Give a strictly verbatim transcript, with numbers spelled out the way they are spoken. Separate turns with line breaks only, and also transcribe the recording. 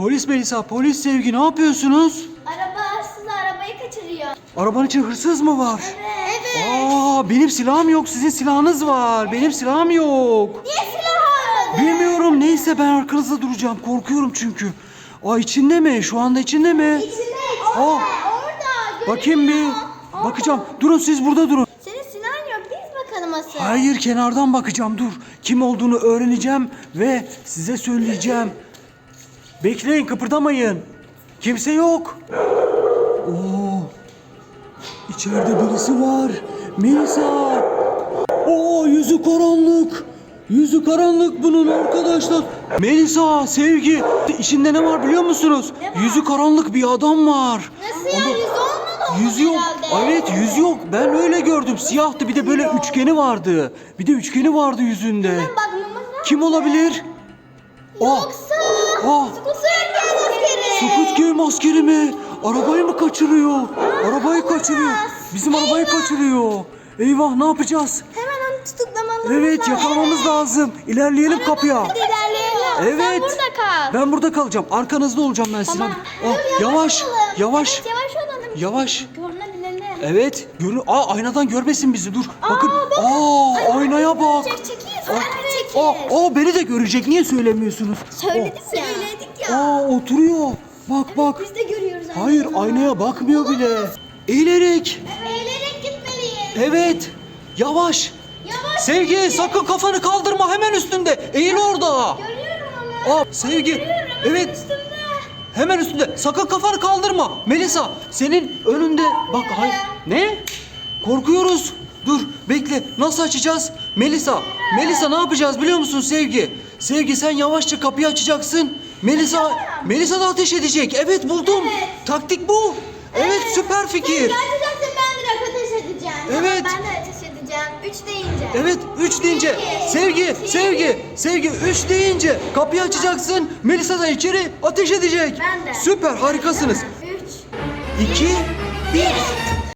Polis Melisa, polis Sevgi, ne yapıyorsunuz?
Araba hırsız arabayı kaçırıyor.
Arabanın içinde hırsız mı var?
Evet. Evet.
Aa, benim silahım yok, sizin silahınız var. Benim silahım yok.
Niye silah almadın?
Bilmiyorum, neyse ben arkanızda duracağım. Korkuyorum çünkü. Aa, içinde mi? Şu anda içinde mi?
İçinde.
Aa,
Orada.
bakayım bir.
Orada.
Bakacağım. Durun, siz burada durun.
Senin silahın yok. Biz bakalım asıl.
Hayır, kenardan bakacağım, dur. Kim olduğunu öğreneceğim ve size söyleyeceğim. Bekleyin, kıpırdamayın. Kimse yok. Oo. İçeride birisi var. Melisa. Oo, yüzü karanlık. Yüzü karanlık bunun arkadaşlar. Melisa, Sevgi, içinde ne var biliyor musunuz?
Ne var?
Yüzü karanlık bir adam var.
Nasıl ya? Yüz olmadı o
Yüzü yok.
herhalde.
Evet, yüz yok. Ben öyle gördüm. Siyahtı. Bir de böyle üçgeni vardı. Bir de üçgeni vardı yüzünde.
Hemen bakmamız lazım.
Kim olabilir? Aa,
Yoksa.
aa,
Squid askeri.
Squid Game askeri mi? Arabayı mı kaçırıyor? Arabayı kaçırıyor. Bizim arabayı kaçırıyor. Eyvah, ne yapacağız?
Hemen onu tutuklamamız
Evet,
lazım.
yakalamamız lazım. İlerleyelim kapıya.
Hadi ilerleyelim.
Evet.
Sen burada kal.
Ben burada kalacağım. Arkanızda olacağım ben sizin.
Tamam.
Aa,
Dur,
yavaş,
olalım.
yavaş,
Evet, yavaş olalım.
yavaş.
Görünebilelim.
Evet. Görün. Aa, aynadan görmesin bizi. Dur. Bakın.
bakın.
Aa, aynaya bak.
Çek, çekil.
Aa,
Çekil.
aa, aa, beni de görecek. Niye söylemiyorsunuz?
Söyledik ya. Söyledik ya.
Aa, oturuyor. Bak bak.
Biz de görüyoruz. aynı
Hayır,
zamanda.
aynaya bakmıyor bile. Eğilerek.
Eğilerek gitmeliyiz.
Evet. Yavaş.
Yavaş.
Sevgi,
git.
sakın kafanı kaldırma, hemen üstünde. Eğil orada.
Görüyorum onu.
Aa, Sevgi.
Görüyorum.
Evet.
Üstümde.
Hemen üstünde. Sakın kafanı kaldırma. Melisa, senin önünde. Bak, hayır. Ne? Korkuyoruz. Dur, bekle. Nasıl açacağız? Melisa, Melisa ne yapacağız biliyor musun Sevgi? Sevgi, sen yavaşça kapıyı açacaksın. Melisa, Melisa da ateş edecek. Evet, buldum.
Evet.
Taktik bu. Evet, süper fikir.
Sen açacaksın, ben direkt ateş edeceğim.
Evet.
Tamam, ben de ateş edeceğim. Üç deyince.
Evet, üç deyince.
İki,
Sevgi,
iki.
Sevgi, Sevgi, üç deyince kapıyı açacaksın. Melisa da içeri ateş edecek.
Ben de.
Süper, harikasınız.
Üç.
İki, bir.